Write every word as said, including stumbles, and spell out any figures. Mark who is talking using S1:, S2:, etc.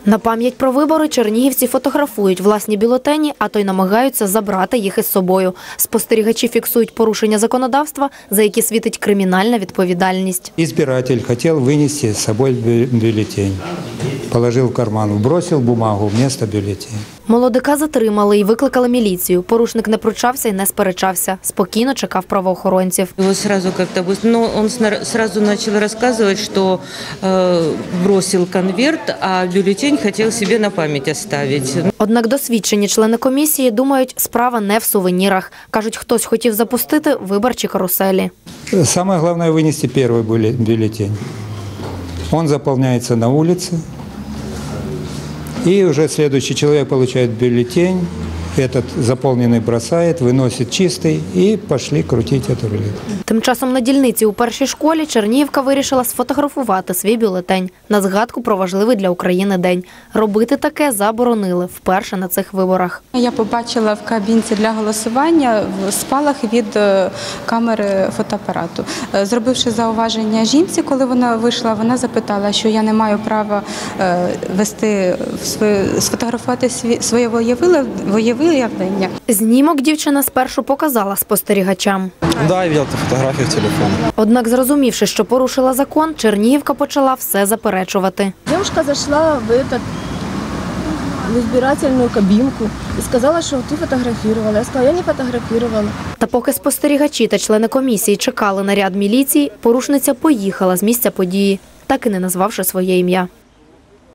S1: На пам'ять про вибори чернігівці фотографують власні бюлетені, а то й намагаються забрати їх із собою. Спостерігачі фіксують порушення законодавства, за які світить кримінальна відповідальність.
S2: Избиратель хотел вынести с собой бюллетень. Положил в карман, вбросил бумагу вместо бюллетеня.
S1: Молодика затримали і викликали міліцію. Порушник не пручався і не сперечався. Спокійно чекав правоохоронців.
S3: Его сразу как-то, но он сразу начал рассказывать, что э, бросил конверт, а бюллетень хотел себе на память оставить.
S1: Однак досвідчені члени комісії думають, справа не в сувенірах. Кажуть, хтось хотів запустити виборчі каруселі.
S2: Самое главное вынести первый бюллетень. Он заполняется на улице. И уже следующий человек получает бюллетень, этот заполненный бросает, выносит чистый и пошли крутить эту рулетку.
S1: Тим часом на дільниці у першій школі Чернігівка вирішила сфотографувати свій бюлетень на згадку про важливий для України день. Робити таке заборонили вперше на цих виборах.
S4: Я побачила в кабінці для голосування спалах від камери фотоапарату. Зробивши зауваження жінці, коли вона вийшла, вона запитала, що я не маю права вести, сфотографувати своє волевиявлення.
S1: Знімок дівчина спершу показала спостерігачам.
S5: Да, я бачив фотографію в телефоні.
S1: Однак, зрозумівши, що порушила закон, Чернігівка почала все заперечувати.
S6: Дівчинка зайшла в этот в избирательную кабинку и сказала, что ты фотографировала. Я сказала, я не фотографировала.
S1: Та поки спостерігачі та члени комісії чекали наряд міліції, порушниця поїхала з місця події, так і не назвавши своє ім'я.